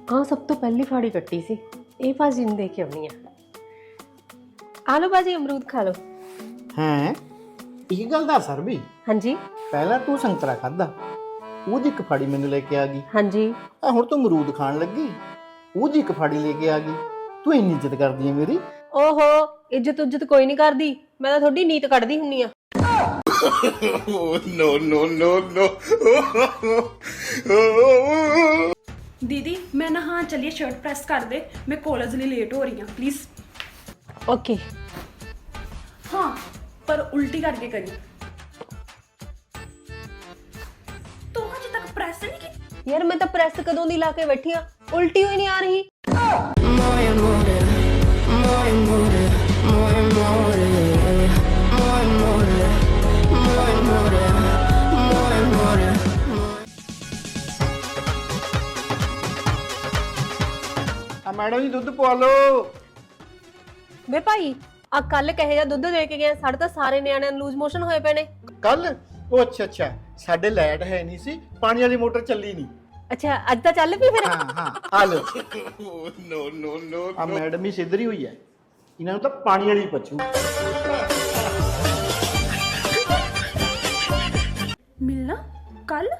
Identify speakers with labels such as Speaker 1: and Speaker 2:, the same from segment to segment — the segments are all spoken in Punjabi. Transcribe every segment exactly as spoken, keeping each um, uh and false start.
Speaker 1: हाँ सब तो पहली फाड़ी कट्टी सी ये भाजी ने देख के आनी है। आ लो भाजी अमरूद खा लो।
Speaker 2: हैं एक गल दस सर भी
Speaker 1: हाँ जी
Speaker 2: पहला तू संतरा खादा ਉਹਦੀ ਇੱਕ ਫਾੜੀ ਮੈਨੂੰ ਲੈ ਕੇ ਆ ਗਈ।
Speaker 1: हाँ जी
Speaker 2: ਆ ਹੁਣ ਤੂੰ ਅਮਰੂਦ ਖਾਣ ਲੱਗੀ ਉਹਦੀ ਇੱਕ ਫਾੜੀ ਲੈ ਕੇ ਆ ਗਈ। ਤੂੰ ਇੰਨੀ ਇੱਜ਼ਤ ਕਰਦੀ ਹੈ ਮੇਰੀ।
Speaker 1: ओहो इज्जत उज्जत कोई नहीं करदी मैं तो थोड़ी नीत कढ़दी हुन्नी आ।
Speaker 2: नो नो नो नो
Speaker 3: दीदी मैं ना हाँ चलिए शर्ट प्रेस कर दे मैं कॉलेज लिए लेट हो रही हूँ प्लीज।
Speaker 1: ओके
Speaker 3: हाँ पर उल्टी करके करी तो अजे तक प्रेस नहीं की
Speaker 1: यार मैं तो प्रेस कदों दी ला के बैठी हाँ उल्टी हुई नहीं आ रही।
Speaker 2: मैडम जी दुध पवा लो।
Speaker 1: वे भाई आ कल कहे जा दुध दे के गए साढ़े तो सारे न्याणे लूज मोशन होए पे ने।
Speaker 2: कल ओ अच्छा अच्छा साडे लाइट है नहीं सी पानी वाली मोटर चली नहीं।
Speaker 1: अच्छा अज तो चल पी फिर।
Speaker 2: हाँ हाँ आ लो। नो नो नो आ मैडम ही सिद्धरी हुई है इन्होंने तो पानी वाली पचू।
Speaker 3: मिलना कल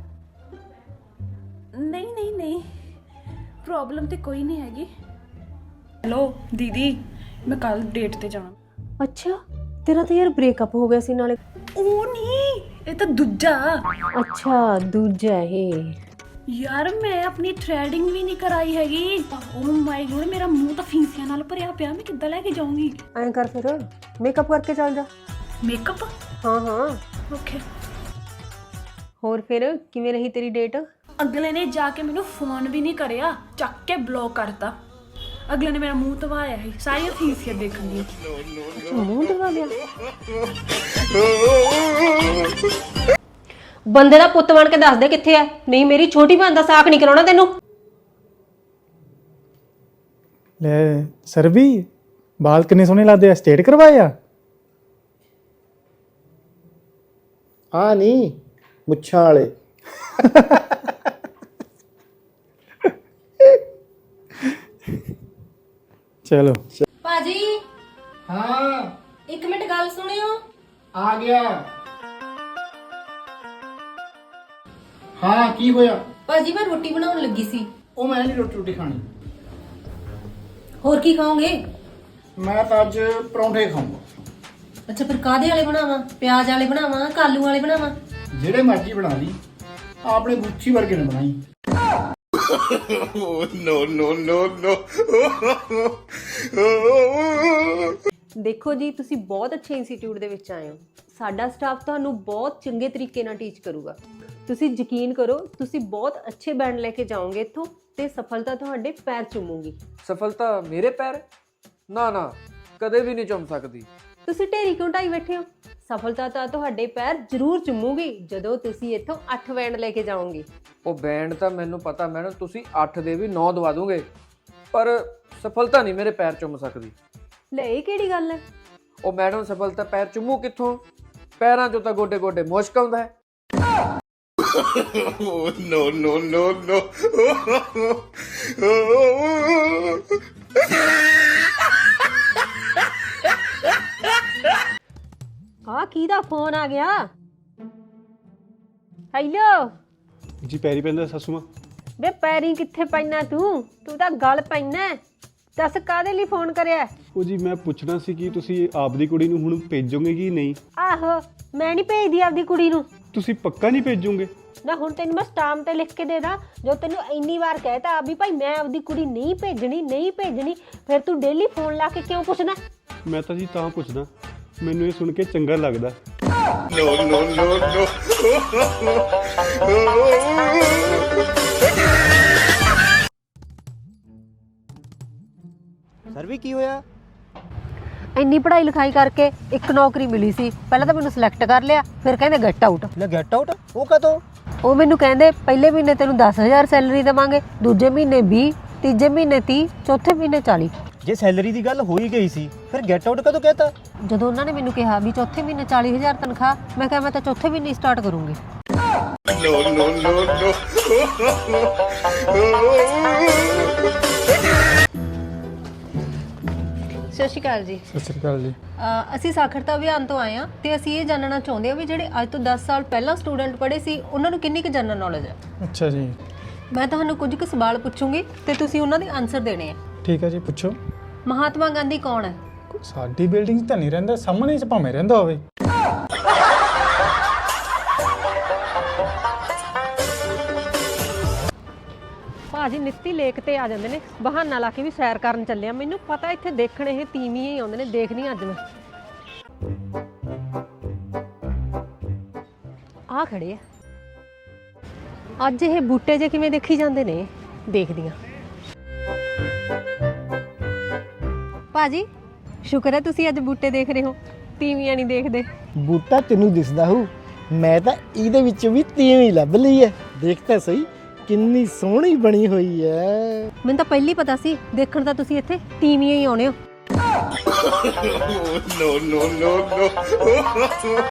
Speaker 3: नहीं नहीं नहीं प्रॉब्लम तो कोई नहीं हैगी। हेलो दीदी मैं कल डेट ते जाना।
Speaker 1: अच्छा तेरा तो यार ब्रेकअप हो गया सी नाले।
Speaker 3: ओ नहीं ये तो दूजा।
Speaker 1: अच्छा दूजा है
Speaker 3: यार मैं अपनी थ्रेडिंग भी नहीं कराई हैगी। ओ माय गॉड मेरा मुंह तो फीसियां नाल भरिया पिया मैं किद्दां लेके जाऊंगी।
Speaker 1: ऐं कर फिर मेकअप करके चल जा।
Speaker 3: मेकअप
Speaker 1: हाँ हाँ
Speaker 3: ओके।
Speaker 1: होर फिर किवें रही तेरी डेट।
Speaker 3: अगले ने जाके मैनू फोन भी नहीं करिया चक के ब्लॉक करता। अगले ने मेरा मुंह धवाया है सारी फीसियां देखन दी।
Speaker 1: मुंह धवा लिया बंदे दा पुੱਤ बन के दस दे किथे है नहीं मेरी छोटी भैन दा साक नहीं कराउणा तैनू।
Speaker 4: ले सर भी बाल किन्ने सोहने लगदे आ स्ट्रेट करवाए आ।
Speaker 2: हाँ नहीं मुच्छां वाले।
Speaker 4: चलो
Speaker 1: भाजी
Speaker 2: हाँ
Speaker 1: एक मिनट गल सुनियो।
Speaker 2: आ गया। हाँ की होया।
Speaker 1: भाजी मैं रोटी बनाउण लगी सी।
Speaker 2: ओ मैं नहीं रोटी रोटी खानी
Speaker 1: होर की खाओगे।
Speaker 2: मैं तो अज परौंठे खाऊंगा।
Speaker 1: अच्छा फिर कादे वाले बनावा प्याज वाले बनावा कालू वाले बनावा।
Speaker 2: जेड़े मर्जी बना ली आपने गुच्छी वर्गे ने बनाई। नो नो नो नो
Speaker 1: ਦੇਖੋ ਜੀ ਤੁਸੀਂ ਬਹੁਤ ਅੱਛੇ ਇੰਸਟੀਚਿਊਟ ਦੇ ਵਿੱਚ ਆਏ ਹੋ। ਸਾਡਾ ਸਟਾਫ ਤੁਹਾਨੂੰ ਬਹੁਤ ਚੰਗੇ ਤਰੀਕੇ ਨਾਲ ਟੀਚ ਕਰੂਗਾ। ਤੁਸੀਂ ਯਕੀਨ ਕਰੋ ਤੁਸੀਂ ਬਹੁਤ ਅੱਛੇ ਬੈਂਡ ਲੈ ਕੇ ਜਾਓਗੇ ਇੱਥੋਂ ਤੇ ਸਫਲਤਾ ਤੁਹਾਡੇ ਪੈਰ ਚੁੰਮੂਗੀ।
Speaker 5: ਸਫਲਤਾ ਮੇਰੇ ਪੈਰ ਨਾ ਨਾ ਕਦੇ ਵੀ ਨਹੀਂ ਚੁੰਮ ਸਕਦੀ।
Speaker 1: ਤੁਸੀਂ ਢੇਰੀ ਕਿਉਂ ਢਾਈ ਬੈਠੇ ਹੋ। ਸਫਲਤਾ ਤਾਂ ਤੁਹਾਡੇ ਪੈਰ ਜ਼ਰੂਰ ਚੁੰਮੂਗੀ ਜਦੋਂ ਤੁਸੀਂ ਇੱਥੋਂ ਅੱਠ ਬੈਂਡ ਲੈ ਕੇ ਜਾਓਗੇ।
Speaker 5: ਉਹ ਬੈਂਡ ਤਾਂ ਮੈਨੂੰ ਪਤਾ ਮੈਡਮ ਤੁਸੀਂ ਅੱਠ ਦੇ ਵੀ ਨੌ ਦਵਾ ਦੋਗੇ ਪਰ ਸਫਲਤਾ ਨਹੀਂ ਮੇਰੇ ਪੈਰ ਚੁੰਮ ਸਕਦੀ।
Speaker 1: ਲੈ ਇਹ ਕਿਹੜੀ ਗੱਲ ਹੈ।
Speaker 5: ਉਹ ਮੈਡਮ ਸਫਲਤਾ ਪੈਰ ਚੁੰਮੂ ਕਿੱਥੋਂ ਪੈਰਾਂ 'ਚੋਂ ਤਾਂ ਗੋਡੇ ਗੋਡੇ ਮੁਸ਼ਕ ਆਉਂਦਾ ਹੈ।
Speaker 2: नो नो नो नो
Speaker 1: ਆ ਕਿਹਦਾ ਫੋਨ ਆ ਗਿਆ। ਹੈਲੋ
Speaker 4: जी पैरी पैंदा सासू मां।
Speaker 1: ਵੇ ਪੈਰੀ ਕਿੱਥੇ ਪੈਣਾ ਤੂੰ ਤੂੰ ਤਾਂ ਗਲ ਪੈਣਾ। ਦੱਸ ਕਾਦੇ ਲਈ ਫੋਨ ਕਰਿਆ।
Speaker 4: ਉਹ ਜੀ ਮੈਂ ਪੁੱਛਣਾ ਸੀ ਕਿ ਤੁਸੀਂ ਆਪਦੀ ਕੁੜੀ ਨੂੰ ਹੁਣ ਭੇਜੋਗੇ ਕਿ ਨਹੀਂ।
Speaker 1: ਆਹੋ ਮੈਂ ਨਹੀਂ ਭੇਜਦੀ ਆਪਦੀ ਕੁੜੀ ਨੂੰ।
Speaker 4: ਤੁਸੀਂ ਪੱਕਾ ਨਹੀਂ ਭੇਜੋਗੇ।
Speaker 1: ਨਾ ਹੁਣ ਤੈਨੂੰ ਮੈਂ ਸਟਾਂਪ ਤੇ ਲਿਖ ਕੇ ਦੇ ਦਾਂ ਜੋ ਤੈਨੂੰ ਇੰਨੀ ਵਾਰ ਕਹਿਤਾ ਵੀ ਭਾਈ ਮੈਂ ਆਪਦੀ ਕੁੜੀ ਨਹੀਂ ਭੇਜਣੀ ਨਹੀਂ ਭੇਜਣੀ ਫਿਰ ਤੂੰ ਡੇਲੀ ਫੋਨ ਲਾ ਕੇ ਕਿਉਂ ਪੁੱਛਣਾ।
Speaker 4: ਮੈਂ ਤਾਂ ਜੀ ਤਾਂ ਪੁੱਛਦਾ ਮੈਨੂੰ ਇਹ ਸੁਣ ਕੇ ਚੰਗਾ ਲੱਗਦਾ।
Speaker 2: No no no no
Speaker 6: sir भी की होया।
Speaker 1: ਇੰਨੀ ਪੜ੍ਹਾਈ ਲਿਖਾਈ ਕਰਕੇ ਇੱਕ ਨੌਕਰੀ ਮਿਲੀ ਸੀ ਪਹਿਲਾਂ ਤਾਂ ਮੈਨੂੰ ਸਿਲੈਕਟ ਕਰ ਲਿਆ ਫਿਰ ਕਹਿੰਦੇ ਗੈਟ ਆਊਟ।
Speaker 6: ले गेट आउट वो कदों।
Speaker 1: ਉਹ ਮੈਨੂੰ ਕਹਿੰਦੇ ਪਹਿਲੇ ਮਹੀਨੇ ਤੈਨੂੰ ਦਸ ਹਜ਼ਾਰ ਸੈਲਰੀ ਦੇਵਾਂਗੇ ਦੂਜੇ ਮਹੀਨੇ ਵੀਹ ਤੀਜੇ ਮਹੀਨੇ ਤੀਹ ਚੌਥੇ ਮਹੀਨੇ ਚਾਲੀ।
Speaker 6: जे सैलरी दी गल हो ही गई सी फिर गेट आउट कदों कहता।
Speaker 1: ਜਦੋਂ ਉਹਨਾਂ ਨੇ ਮੈਨੂੰ ਕਿਹਾ ਵੀ ਚੌਥੇ ਮਹੀਨੇ ਚਾਲੀ ਹਜ਼ਾਰ ਤਨਖਾਹ ਮੈਂ ਕਿਹਾ ਮੈਂ ਤਾਂ ਚੌਥੇ ਮਹੀਨੇ ਸਟਾਰਟ ਕਰੂੰਗੀ। ਸਤਿ ਸ਼੍ਰੀ ਅਕਾਲ ਜੀ।
Speaker 4: ਸਤਿ ਸ਼੍ਰੀ ਅਕਾਲ ਜੀ।
Speaker 1: ਅ, ਅਸੀਂ ਸਾਖਰਤਾ ਅਭਿਆਨ ਤੋਂ ਆਏ ਹਾਂ ਤੇ ਅਸੀਂ ਇਹ ਜਾਣਨਾ ਚਾਹੁੰਦੇ ਹਾਂ ਵੀ ਜਿਹੜੇ ਅੱਜ ਤੋਂ ਦਸ ਸਾਲ ਪਹਿਲਾਂ ਸਟੂਡੈਂਟ ਪੜ੍ਹੇ ਸੀ ਉਹਨਾਂ ਨੂੰ ਕਿੰਨੀ ਕੁ ਜਨਰਲ ਨੌਲੇਜ ਹੈ।
Speaker 4: ਅੱਛਾ ਜੀ,
Speaker 1: ਮੈਂ ਤੁਹਾਨੂੰ ਕੁਝ ਕੁ ਸਵਾਲ ਪੁੱਛੂੰਗੀ ਤੇ ਤੁਸੀਂ ਉਹਨਾਂ ਦੇ ਆਨਸਰ ਦੇਣੇ ਆ।
Speaker 4: ਠੀਕ ਹੈ ਜੀ, ਪੁੱਛੋ।
Speaker 1: ਮਹਾਤਮਾ ਗਾਂਧੀ ਕੌਣ ਹੈ?
Speaker 4: ਸਾਡੀ ਬਿਲਡਿੰਗ 'ਚ ਤਾਂ ਨਹੀਂ ਰਹਿੰਦਾ, ਸਾਹਮਣੇ 'ਚ ਭਾਵੇਂ ਰਹਿੰਦਾ ਹੋਵੇ।
Speaker 1: ਭਾਜੀ ਨਿੱਤੀ ਲੇਕ ਤੇ ਆ ਜਾਂਦੇ ਨੇ, ਬਹਾਨਾ ਲਾ ਕੇ ਵੀ ਸੈਰ ਕਰਨ ਚੱਲਿਆ। ਮੈਨੂੰ ਪਤਾ ਇੱਥੇ ਦੇਖਣ ਇਹ ਤੀਵੀਂ ਹੀ ਆਉਂਦੇ ਨੇ, ਦੇਖਦੀ ਅੱਜ ਮੈਂ। ਆ ਖੜੇ ਆ ਅੱਜ, ਇਹ ਬੂਟੇ ਜੇ ਕਿਵੇਂ ਦੇਖੀ ਜਾਂਦੇ ਨੇ, ਦੇਖਦੀਆਂ। ਭਾਜੀ ਸ਼ੁਕਰ ਹੈ ਤੁਸੀਂ ਅੱਜ ਬੂਟੇ ਦੇਖ ਰਹੇ ਹੋ, ਤੀਵੀਆਂ ਨਹੀਂ ਦੇਖਦੇ।
Speaker 2: ਬੂਟਾ ਤੈਨੂੰ ਦਿਸਦਾ ਹੋਊ, ਮੈਂ ਤਾਂ ਇਹਦੇ ਵਿੱਚ ਵੀ ਤੀਵੀਂ ਲੱਭ ਲਈ ਹੈ। ਦੇਖ ਤਾਂ ਸਹੀ ਕਿੰਨੀ ਸੋਹਣੀ ਬਣੀ ਹੋਈ ਹੈ।
Speaker 1: ਮੈਨੂੰ ਤਾਂ ਪਹਿਲੀ ਪਤਾ ਸੀ, ਦੇਖਣ ਤਾਂ ਤੁਸੀਂ ਇੱਥੇ ਤੀਵੀਆਂ ਹੀ ਆਉਣੇ ਹੋ।